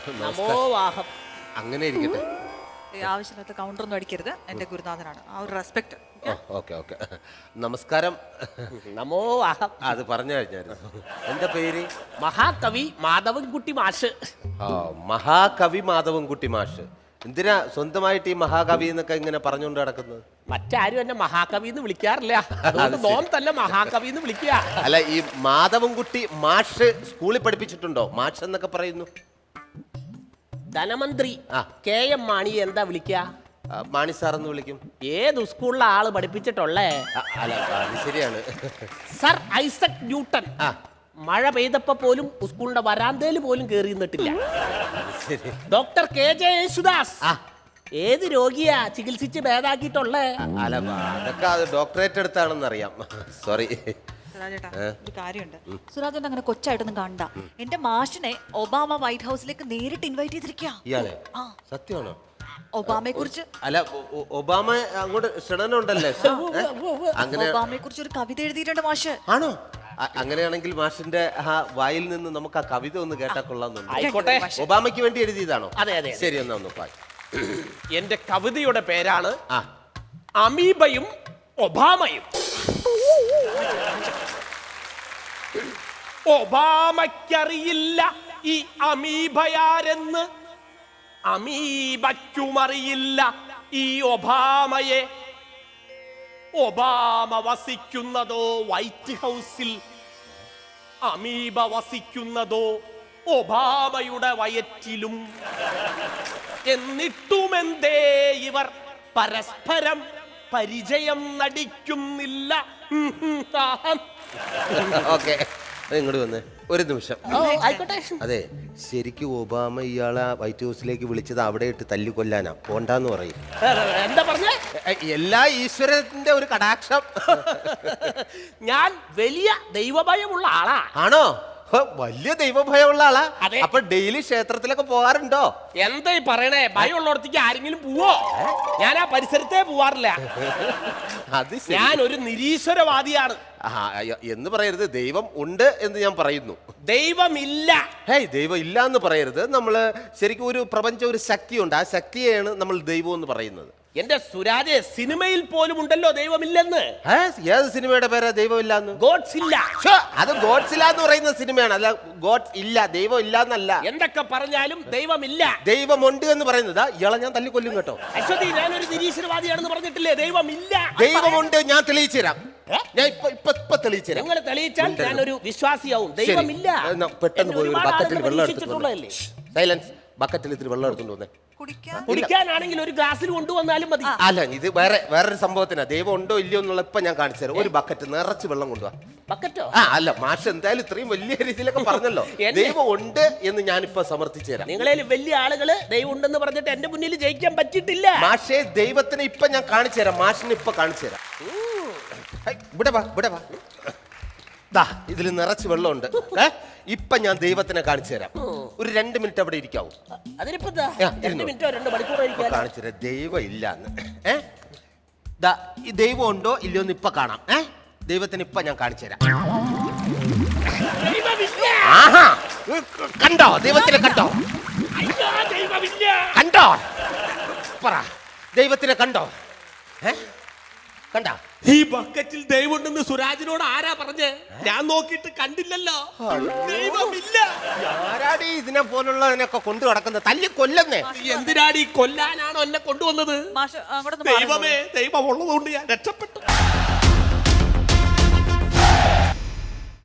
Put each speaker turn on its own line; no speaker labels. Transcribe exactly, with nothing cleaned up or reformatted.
നമോവാഹം.
അങ്ങനെ ഇരിക്കട്ടെ.
ആവശ്യമില്ലാത്ത കൗണ്ടറൊന്നും അടിക്കരുത്. എന്റെ ഗുരുനാഥനാണ്. ആ ഒരു റെസ്പെക്ട്.
Okay okay. നമസ്കാരം.
നമോവാഹം.
അത് പറഞ്ഞു കഴിഞ്ഞായിരുന്നു. എന്റെ പേര്
മഹാകവി മാധവൻകുട്ടി മാഷ്.
ആ മഹാകവി മാധവൻകുട്ടി മാഷ്. എന്തിനാ സ്വന്തമായിട്ട് ഈ മഹാകവി എന്നൊക്കെ ഇങ്ങനെ പറഞ്ഞുകൊണ്ട് നടക്കുന്നത്?
മറ്റാരും എന്നെ മഹാകവി എന്ന് വിളിക്കാറില്ല. അതുകൊണ്ട് നോം തന്നെ മഹാകവി എന്ന് വിളിക്കുക.
അല്ല, ഈ മാധവൻകുട്ടി മാഷ് സ്കൂളിൽ പഠിപ്പിച്ചിട്ടുണ്ടോ? മാഷ് എന്നൊക്കെ പറയുന്നു.
ധനമന്ത്രി
ആ.
കെ എം മാണി എന്താ വിളിക്കുക?
ആ, മാണി സാറെന്ന് വിളിക്കും.
ഏത് സ്കൂളിലെ ആള് പഠിപ്പിച്ചിട്ടുള്ളേ?
ആ, അല്ല അത് ശരിയാണ്.
സർ ഐസക് ന്യൂട്ടൺ
ആ
മഴ പെയ്തപ്പോ പോലും സ്കൂളിന്റെ വരാന്തയിൽ പോലും കേറി നിന്നിട്ടില്ല.
ശരി.
ഡോക്ടർ കെ ജെ യേശുദാസ്
ആ
ഏത് രോഗിയാ ചികിത്സിച്ച് ഭേദാക്കിയിട്ടുള്ളേ?
അല്ല അതൊക്കെ അത് ഡോക്ടറേറ്റ് എടുത്താണെന്ന് അറിയാം. സോറി.
സുരാജേട്ടാ, ഒരു കാര്യമുണ്ട്. സുരാജേട്ടൻ അങ്ങനെ കൊച്ചായിട്ടൊന്നും കണ്ട. എന്റെ മാഷിനെ ഒബാമ വൈറ്റ് ഹൗസിലേക്ക് നേരിട്ട് ഇൻവൈറ്റ് ചെയ്തിരിക്കുക.
ഇയാളെ സത്യമാണോ?
ഒബാമയെ കുറിച്ച്
അല്ല ഒ- ഒബാമ അങ്ങോട്ട് ക്ഷണനുണ്ടല്ലേ? അങ്ങനെ
ഒബാമയെ കുറിച്ച് ഒരു കവിത എഴുതിയിട്ടുണ്ട് മാഷ്.
ആണോ? അ- അങ്ങനെയാണെങ്കിൽ മാഷിന്റെ ആ വായിൽ നിന്ന് നമുക്ക് ആ കവിത ഒന്ന് കേട്ടാ കൊള്ളാന്നുണ്ട്.
ആയിക്കോട്ടെ.
ഒബാമയ്ക്ക് വേണ്ടി എഴുതിയതാണോ?
അതെ, അതെ.
ശരി, എന്നാ ഒന്ന് പാടി.
എന്റെ കവിതയുടെ പേരാണ്
ആ
അമീബയും ഒബാമയും. ഒബാമയ്ക്കറിയില്ല ഈ അമീബയാരെന്ന്, അമീബയ്ക്കുമറിയില്ല ഈ ഒബാമയെ. ഒബാമ വസിക്കുന്നതോ വൈറ്റ് ഹൗസിൽ, അമീബ വസിക്കുന്നതോ ഒബാമയുടെ വയറ്റിലും. എന്നിട്ടുമെന്തേ ഇവർ പരസ്പരം പരിചയം നടിക്കുന്നില്ല?
ഓക്കെ, ഇങ്ങോട്ട് വന്ന് ഒരു നിമിഷം.
ആയിക്കോട്ടെ.
അതെ, ശരിക്കും ഒബാമ ഇയാളെ വൈറ്റ് ഹൗസിലേക്ക് വിളിച്ചത് അവിടെ ഇട്ട് തല്ലി കൊല്ലാനാ, പോണ്ടാന്ന് പറയും.
എന്താ പറഞ്ഞേ?
എ, എല്ലാ ഈശ്വരന്റെ ഒരു കടാക്ഷം.
ഞാൻ വലിയ ദൈവഭയമുള്ള ആളാ.
ആണോ? ഹോ, വലിയ ദൈവഭയമുള്ള ആളാ.
അതെ.
അപ്പൊ ഡെയിലി ക്ഷേത്രത്തിലൊക്കെ പോകാറുണ്ടോ?
എന്താ ഈ പറയണേ? ഭയമുള്ളടത്തേക്ക് ആരെങ്കിലും പോവോ? ഞാൻ ആ പരിസരത്തേ പോവാറില്ല.
അത് ശരി.
ഞാൻ ഒരു നിരീശ്വരവാദിയാണ്.
ആ, അയ്യോ, എന്ന് പറയരുത്. ദൈവം ഉണ്ട് എന്ന് ഞാൻ പറയുന്നു.
ദൈവമില്ല.
ഹേയ്, ദൈവം ഇല്ല എന്ന് പറയരുത്. നമ്മള് ശരിക്കും ഒരു പ്രപഞ്ച ഒരു ശക്തിയുണ്ട്. ആ ശക്തിയെയാണ് നമ്മൾ ദൈവം എന്ന് പറയുന്നത്.
എന്റെ സുരാജെ, സിനിമയിൽ പോലും ഉണ്ടല്ലോ ദൈവമില്ലെന്ന്.
ഏ, ഏത് സിനിമയുടെ പേരാ ദൈവം ഇല്ലാന്ന്?
ഗോഡ്സ് ഇല്ല.
ശ്ശോ, അത് ഗോഡ്സ് ഇല്ല എന്ന് പറയുന്ന സിനിമയാണ്. അല്ല, ഗോഡ്സ് ഇല്ല, ദൈവം ഇല്ല എന്നല്ല.
എന്തൊക്കെ പറഞ്ഞാലും ദൈവമില്ല.
ദൈവമുണ്ട് എന്ന് പറയുന്നത് ഇയാളെ ഞാൻ തല്ലിക്കൊല്ലും കേട്ടോ.
അശ്വതി, ഞാനൊരു നിരീശ്വരവാദിയാണെന്ന് പറഞ്ഞിട്ടില്ലേ? ദൈവമില്ല.
ദൈവമുണ്ട്, ഞാൻ തെളിയിച്ചു തരാം.
ഏ?
ഞാൻ ഇപ്പൊ ഇപ്പൊ ഇപ്പൊ തെളിയിച്ചു തരാം.
നിങ്ങൾ തെളിയിച്ചാൽ ഞാനൊരു വിശ്വാസിയാവും.
ശരി.
ദൈവമില്ല.
എന്നാ പെട്ടെന്ന് പോയി ഒരു
ഒരുപാട്
ബക്കറ്റിൽ
ആളുകൾ
വെള്ളം എടുത്തിട്ട്
പരീക്ഷിച്ചിട്ടുള്ളതല്ലേ?
സൈലൻസ്. ബക്കറ്റിൽ ഇത്തിരി വെള്ളം എടുത്തോണ്ട് വന്നേ.
കുടിക്കാൻ
കുടിക്കാനാണെങ്കിൽ ഒരു ഗ്ലാസ്സിൽ കൊണ്ടുവന്നാലും മതി.
അല്ല, ഇത് വേറെ വേറൊരു സംഭവത്തിനാ. ദൈവം ഉണ്ടോ ഇല്ലയോ എന്നുള്ള ഇപ്പൊ ഞാൻ കാണിച്ചു തരാം. ഒരു ബക്കറ്റ് നിറച്ച് വെള്ളം കൊണ്ടുപോവാ.
ബക്കറ്റോ?
ആ അല്ല, മാഷ് എന്തായാലും ഇത്രയും വലിയ രീതിയിലൊക്കെ പറഞ്ഞല്ലോ.
എന്നെ-
ദൈവം ഉണ്ട് എന്ന് ഞാനിപ്പോ സമർത്ഥിച്ചു തരാം.
നിങ്ങളെ വലിയ ആളുകള് ദൈവം ഉണ്ടെന്ന് പറഞ്ഞിട്ട് എന്റെ മുന്നിൽ ജയിക്കാൻ പറ്റിയിട്ടില്ല.
മാഷേ, ദൈവത്തിന് ഇപ്പൊ ഞാൻ കാണിച്ചു തരാം. മാഷിന് ഇപ്പൊ കാണിച്ചു തരാം. ഹൈ, ഇവിടെ വാ, ഇവിടെ വാ. ദാ ഇതിൽ നിറച്ച് വെള്ളമുണ്ട്. ഏ ഇപ്പൊ ഞാൻ ദൈവത്തിനെ കാണിച്ചു തരാം. ഒരു രണ്ട് മിനിറ്റ് അവിടെ ഇരിക്കാവൂ.
അതിനിപ്പോ ദാ
ആ,
രണ്ട്
ഇരുന്നോ.
മിനിറ്റോ രണ്ട് മണിക്കൂറോ
ഇപ്പൊ
ഇരിക്കാൻ.
കാണിച്ചു തരാം ദൈവം ഇല്ലാന്ന്. ഏ ദാ ഈ ദൈവം ഉണ്ടോ ഇല്ലയോ എന്ന് ഇപ്പൊ കാണാം. ഏ ദൈവത്തിന് ഇപ്പൊ ഞാൻ കാണിച്ചു തരാം.
ദൈവമില്ല.
ആഹാ, കണ്ടോ? ദൈവത്തിനെ കണ്ടോ?
അയ്യോ, ദൈവമില്ല.
കണ്ടോ? പറ, ദൈവത്തിനെ കണ്ടോ? ഏ കണ്ടോ?
ഈ ബക്കറ്റിൽ ദൈവം ഉണ്ടെന്ന് സുരാജിനോട് ആരാ പറഞ്ഞേ? ഞാൻ നോക്കിയിട്ട് കണ്ടില്ലല്ലോ. ദൈവമില്ല.
ആരാടി ഇതിനെ പോലുള്ളതിനൊക്കെ കൊണ്ടു കിടക്കുന്നത്? തല്ലി കൊല്ലുന്നേ.
എന്തിനാടി കൊല്ലാനാണോ എന്നെ കൊണ്ടുവന്നത്?
മാഷ് അങ്ങോട്ടൊന്ന് മാറി
ദൈവമേ, ദൈവം ഉള്ളതുകൊണ്ട് ഞാൻ രക്ഷപ്പെട്ടു.